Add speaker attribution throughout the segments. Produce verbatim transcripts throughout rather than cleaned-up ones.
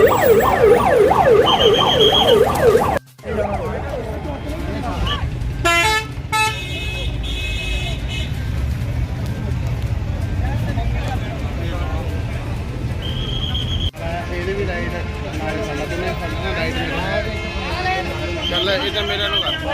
Speaker 1: ਚੱਲ ਇਹ ਮੇਰੇ ਨੂੰ ਕਰ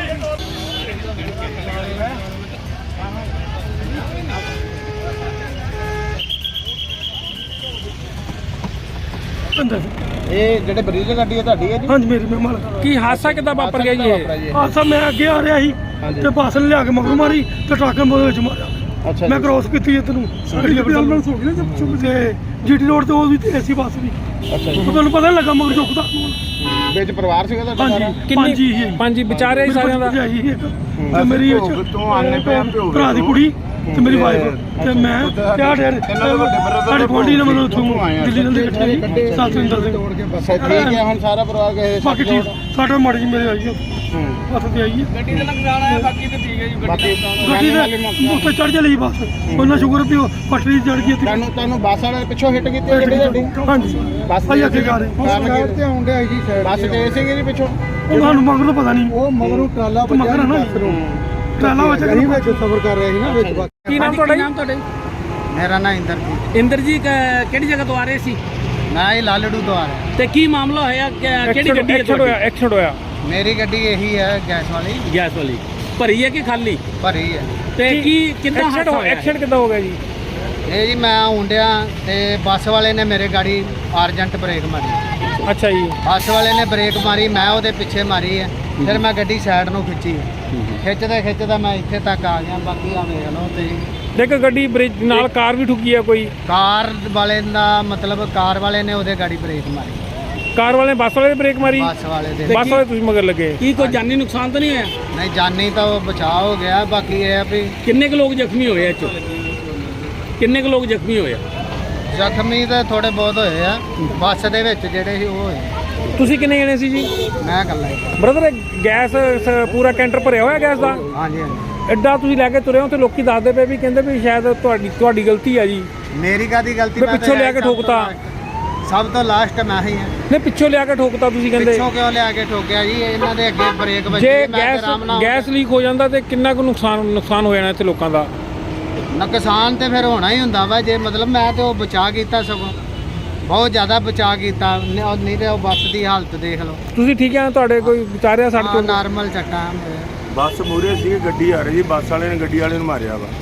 Speaker 1: ਇਹ ਜਿਹੜੇ ਬਰੀਜ ਗੱਡੀ ਹੈ ਤੁਹਾਡੀ ਹੈ ਜੀ?
Speaker 2: ਹਾਂਜੀ ਮੇਰੀ ਮਹਿਮਾਨ।
Speaker 3: ਕੀ ਹਾਦਸਾ ਕਿੱਦਾਂ ਵਾਪਰ ਗਿਆ ਜੀ ਇਹ?
Speaker 2: ਹਾਦਸਾ ਮੈਂ ਅੱਗੇ ਆ ਰਿਹਾ ਸੀ ਤੇ ਬੱਸ ਨੇ ਲਿਆ ਕੇ ਮਗਰ ਮਾਰੀ ਤੇ ਟਰੱਕ ਨੇ ਉਹਦੇ ਵਿੱਚ ਮਾਰਿਆ।
Speaker 1: ਅੱਛਾ
Speaker 2: ਮੈਂ ਕ੍ਰੋਸ ਕੀਤੀ ਇੱਧਰ ਨੂੰ ਗੱਡੀ ਐਂਬੂਲੈਂਸ ਹੋ ਗਈ ਨਾ ਤੇ ਜੀਟੀ ਰੋਡ ਤੇ ਉਹ ਵੀ ਤੇ ਏਸੀ ਬੱਸ ਵੀ।
Speaker 1: ਅੱਛਾ ਜੀ।
Speaker 2: ਤੁਹਾਨੂੰ ਪਤਾ ਨਹੀਂ ਲੱਗਾ ਮਗਰ ਚੁੱਕਦਾ
Speaker 1: ਵਿੱਚ ਪਰਿਵਾਰ ਸੀਗਾ ਤੁਹਾਡਾ ਸਾਰਾ?
Speaker 2: ਹਾਂਜੀ ਪੰਜ ਹੀ ਹੈ।
Speaker 3: ਪੰਜ ਵਿਚਾਰੇ ਹੀ ਸਾਰਿਆਂ ਦਾ
Speaker 2: ਤੇ ਮੇਰੀ ਭਰਾ ਦੀ ਕੁੜੀ ਤੇ ਮੇਰੀ ਵਾਈਫ ਤੇ ਮੈਂ ਤੇ ਆ ਡੇਰ ਸਾਡੇ ਗੁਆਂਢੀ ਨੇ ਮੈਨੂੰ ਉੱਥੋਂ ਦਿੱਲੀ ਨਾਲ ਇਕੱਠੇ ਸਤਿੰਦਰ ਸਿੰਘ।
Speaker 1: ਅੱਛਾ ਠੀਕ ਹੈ। ਹੁਣ ਸਾਰਾ ਪਰਿਵਾਰ ਗਏ?
Speaker 2: ਬਾਕੀ ਠੀਕ ਸਾਡਾ ਮਾੜੀ ਜੀ ਮੇਰੇ ਆਈ ਹੈ ਬੱਸ ਤੇ ਆਈ ਹੈ।
Speaker 3: ਗੱਡੀ ਦਾ ਨੁਕਸਾਨ ਆਇਆ, ਬਾਕੀ ਤੇ ਠੀਕ ਹੈ ਜੀ।
Speaker 1: ਬਾਕੀ
Speaker 2: ਗੱਡੀ ਦੇ ਉੱਤੇ ਚੜ ਚਲੀ ਬੱਸ। ਉਹਨਾਂ ਸ਼ੁਕਰ ਵੀ ਉਹ ਪਟੜੀ ਚੜ ਗਈ।
Speaker 1: ਤੁਹਾਨੂੰ ਤੁਹਾਨੂੰ ਬੱਸ ਵਾਲੇ ਪਿੱਛੋਂ ਹਿੱਟ ਕੀਤੀ ਗੱਡੀ ਤੁਹਾਡੀ?
Speaker 2: ਹਾਂਜੀ
Speaker 1: ਬੱਸ
Speaker 2: ਭਾਈ ਅੱਗੇ ਜਾ ਰਹੇ
Speaker 1: ਸਾਈਡ ਤੇ ਆਉਂਦੇ ਆਈ ਜੀ ਸਾਈਡ ਬੱਸ ਗਏ ਸੀਗੇ ਜੀ ਪਿੱਛੋਂ?
Speaker 2: ਉਹ ਸਾਨੂੰ ਮਗਰ ਤੋਂ ਪਤਾ ਨਹੀਂ।
Speaker 1: ਉਹ ਮਗਰੋਂ ਟਰਾਲਾ
Speaker 2: ਮਗਰ ਨਾ ਟਰਾਲਾ ਵਿੱਚ
Speaker 1: ਅਸੀਂ ਵਿੱਚ ਸਫ਼ਰ ਕਰ ਰਹੇ ਸੀ ਨਾ ਵਿੱਚ।
Speaker 3: ਕੀ ਨਾਮ ਤੁਹਾਡਾ? ਨਾਮ ਤੁਹਾਡਾ?
Speaker 1: ਮੇਰਾ ਨਾਮ ਇੰਦਰਜੀਤ।
Speaker 3: ਇੰਦਰਜੀਤ ਕਿਹੜੀ ਜਗ੍ਹਾ ਤੋਂ ਆ ਰਹੇ ਸੀ?
Speaker 1: ਮੈਂ ਇਹ ਲਾਲੜੂ ਤੋਂ ਆ ਰਿਹਾ।
Speaker 3: ਤੇ ਕੀ ਮਾਮਲਾ ਹੋਇਆ? ਕਿਹੜੀ ਗੱਡੀ
Speaker 2: ਐਕਸੀਡੈਂਟ ਹੋਇਆ ਐਕਸੀਡੈਂਟ ਹੋਇਆ
Speaker 1: ਮੇਰੀ ਗੱਡੀ ਇਹੀ ਹੈ ਗੈਸ ਵਾਲੀ।
Speaker 3: ਗੈਸ ਵਾਲੀ ਭਰੀ ਹੈ ਕਿ ਖਾਲੀ?
Speaker 1: ਭਰੀ ਹੈ।
Speaker 3: ਤੇ ਕੀ ਕਿੰਨਾ ਹਾਦਸਾ ਹੋਇਆ?
Speaker 2: ਐਕਸੀਡੈਂਟ ਕਿੱਦਾਂ ਹੋ ਗਿਆ ਜੀ?
Speaker 1: ਇਹ ਜੀ ਮੈਂ ਹੁੰਡਿਆ ਤੇ ਬੱਸ ਵਾਲੇ ਨੇ ਮੇਰੇ ਗਾੜੀ ਅਰਜੈਂਟ ਬ੍ਰੇਕ ਮਾਰੀ।
Speaker 2: ਅੱਛਾ ਜੀ।
Speaker 1: ਬੱਸ ਵਾਲੇ ਨੇ ਬ੍ਰੇਕ ਮਾਰੀ, ਮੈਂ ਉਹਦੇ ਪਿੱਛੇ ਮਾਰੀ ਹੈ। ਫਿਰ ਮੈਂ ਗੱਡੀ ਸਾਈਡ ਨੂੰ ਖਿੱਚੀ, ਖਿੱਚਦਾ ਖਿੱਚਦਾ ਮੈਂ ਇੱਥੇ ਤੱਕ ਆ ਗਿਆ। ਬਾਕੀ ਆ ਵੇਖ ਲਓ ਤੇ
Speaker 2: ਦੇਖ ਗੱਡੀ ਬ੍ਰੇਕ ਨਾਲ ਕਾਰ ਵੀ ਠੁੱਕੀ ਆ ਕੋਈ?
Speaker 1: ਕਾਰ ਵਾਲੇ ਦਾ ਮਤਲਬ ਕਾਰ ਵਾਲੇ ਨੇ ਉਹਦੇ ਗਾੜੀ ਬ੍ਰੇਕ ਮਾਰੀ।
Speaker 2: ਕਾਰ ਵਾਲੇ ਨੇ ਬੱਸ ਵਾਲੇ ਨੇ ਬ੍ਰੇਕ ਮਾਰੀ?
Speaker 1: ਬੱਸ ਵਾਲੇ ਦੇ।
Speaker 2: ਬੱਸ ਵਾਲੇ ਤੁਸੀਂ ਮਗਰ ਲੱਗੇ?
Speaker 3: ਕੀ ਕੋਈ ਜਾਨੀ ਨੁਕਸਾਨ ਤਾਂ ਨਹੀਂ ਹੋਇਆ?
Speaker 1: ਨਹੀਂ ਜਾਨੀ ਤਾਂ ਉਹ ਬਚਾਅ ਹੋ ਗਿਆ। ਬਾਕੀ ਇਹ ਆ ਵੀ
Speaker 3: ਕਿੰਨੇ ਕੁ ਲੋਕ ਜ਼ਖਮੀ ਹੋਏ ਇਹ 'ਚੋਂ? ਕਿੰਨੇ ਕੁ ਲੋਕ ਜ਼ਖਮੀ ਹੋਏ?
Speaker 1: ਜ਼ਖਮੀ ਤਾਂ ਥੋੜੇ ਬਹੁਤ ਹੋਏ ਆ ਬੱਸ ਦੇ ਵਿੱਚ ਜਿਹੜੇ ਸੀ ਉਹ ਹੋਏ।
Speaker 2: ਤੁਸੀਂ ਕਿੰਨੇ ਜਣੇ ਸੀ ਜੀ?
Speaker 1: ਮੈਂ ਇਕੱਲਾ ਹੀ।
Speaker 2: ਬ੍ਰਦਰ ਗੈਸ ਪੂਰਾ ਕੈਂਟਰ ਭਰਿਆ ਹੋਇਆ ਗੈਸ ਦਾ?
Speaker 1: ਹਾਂਜੀ ਹਾਂਜੀ।
Speaker 2: ਐਡਾ ਤੁਸੀਂ ਲੈ ਕੇ ਤੁਰੇ ਹੋ ਤੇ ਲੋਕੀ ਦੱਸਦੇ ਪਏ ਵੀ ਕਹਿੰਦੇ ਵੀ ਸ਼ਾਇਦ ਤੁਹਾਡੀ ਤੁਹਾਡੀ ਗਲਤੀ ਆ ਜੀ।
Speaker 1: ਮੇਰੀ ਕਾਹਦੀ ਗਲਤੀ?
Speaker 2: ਮੈਂ ਪਿੱਛੋਂ ਲਿਆ ਕੇ ਠੋਕਤਾ।
Speaker 1: ਸਭ ਤੋਂ ਲਾਸਟ ਮੈਂ ਹੀ ਹਾਂ।
Speaker 2: ਨਹੀਂ ਪਿੱਛੋਂ ਲਿਆ ਕੇ ਠੋਕਤਾ ਤੁਸੀਂ ਕਹਿੰਦੇ?
Speaker 1: ਪਿੱਛੋਂ ਕਿਉਂ ਲਿਆ ਕੇ ਠੋਕਿਆ ਜੀ? ਇਹਨਾਂ ਦੇ ਅੱਗੇ ਬ੍ਰੇਕ ਵੱਜੀ।
Speaker 2: ਜੇ ਗੈਸ ਗੈਸ ਲੀਕ ਹੋ ਜਾਂਦਾ ਤੇ ਕਿੰਨਾ ਕੁ ਨੁਕਸਾਨ ਨੁਕਸਾਨ ਹੋ ਜਾਣਾ ਇੱਥੇ ਲੋਕਾਂ ਦਾ?
Speaker 1: ਨੁਕਸਾਨ ਤੇ ਫਿਰ ਹੋਣਾ ਹੀ ਹੁੰਦਾ ਵਾ। ਜੇ ਮਤਲਬ ਮੈਂ ਤੇ ਉਹ ਬਚਾ ਕੀਤਾ, ਸਗੋਂ ਬਹੁਤ ਜ਼ਿਆਦਾ ਬਚਾ ਕੀਤਾ। ਨਹੀਂ ਤੇ ਉਹ ਬੱਸ ਦੀ ਹਾਲਤ ਦੇਖ ਲਓ।
Speaker 2: ਤੁਸੀਂ ਠੀਕ ਆ? ਤੁਹਾਡੇ ਕੋਈ ਵਿਚਾਰਿਆ ਸੜਕ ਤੋਂ?
Speaker 1: ਨਾਰਮਲ ਚੱਟਾਂ
Speaker 4: ਬੱਸ ਮੂਹਰੇ ਸੀ, ਗੱਡੀ ਆ ਰਹੀ ਸੀ, ਬੱਸ ਵਾਲੇ ਨੇ ਗੱਡੀ ਵਾਲੇ ਨੂੰ ਮਾਰਿਆ ਵਾ।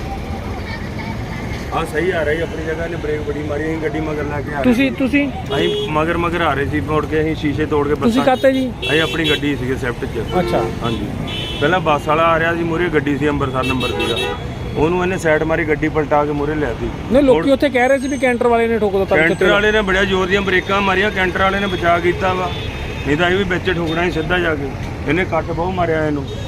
Speaker 4: ਆ ਸਹੀ ਆ ਰਹੀ ਆਪਣੀ ਜਗ੍ਹਾ, ਨੇ ਬ੍ਰੇਕ ਬੜੀ ਮਾਰੀ। ਅਸੀਂ ਗੱਡੀ ਮਗਰ ਲੈ ਕੇ ਆ ਰਹੇ
Speaker 2: ਤੁਸੀਂ ਤੁਸੀਂ
Speaker 4: ਅਸੀਂ ਮਗਰ ਮਗਰ ਆ ਰਹੇ ਸੀ। ਮੋੜ ਕੇ ਅਸੀਂ ਸ਼ੀਸ਼ੇ ਤੋੜ ਕੇ
Speaker 2: ਤੁਸੀਂ ਕਾਤੇ ਜੀ?
Speaker 4: ਅਸੀਂ ਆਪਣੀ ਗੱਡੀ ਸੀਗੇ ਸਵਿਫਟ 'ਚ।
Speaker 2: ਅੱਛਾ
Speaker 4: ਹਾਂਜੀ। ਪਹਿਲਾਂ ਬੱਸ ਵਾਲਾ ਆ ਰਿਹਾ ਸੀ, ਮੂਹਰੇ ਗੱਡੀ ਸੀ, ਅੰਮ੍ਰਿਤਸਰ ਨੰਬਰ ਸੀਗਾ। ਉਹਨੂੰ ਇਹਨੇ ਸਾਈਡ ਮਾਰੀ, ਗੱਡੀ ਪਲਟਾ ਕੇ ਮੂਹਰੇ ਲਿਆਤੀ।
Speaker 2: ਨਹੀਂ ਲੋਕੀ ਉੱਥੇ ਕਹਿ ਰਹੇ ਸੀ ਵੀ ਕੈਂਟਰ ਵਾਲੇ ਨੇ ਠੋਕ ਦਿੱਤਾ।
Speaker 4: ਕੈਂਟਰ ਵਾਲੇ ਨੇ ਬੜਿਆ ਜ਼ੋਰ ਦੀਆਂ ਬ੍ਰੇਕਾਂ ਮਾਰੀਆਂ, ਕੈਂਟਰ ਵਾਲੇ ਨੇ ਬਚਾ ਕੀਤਾ ਵਾ। ਨਹੀਂ ਤਾਂ ਇਹ ਵੀ ਵਿੱਚ ਠੋਕਣਾ ਸੀ ਸਿੱਧਾ ਜਾ ਕੇ। ਇਹਨੇ ਕੱਟ ਬਹੁਤ ਮਾਰਿਆ ਇਹਨੂੰ।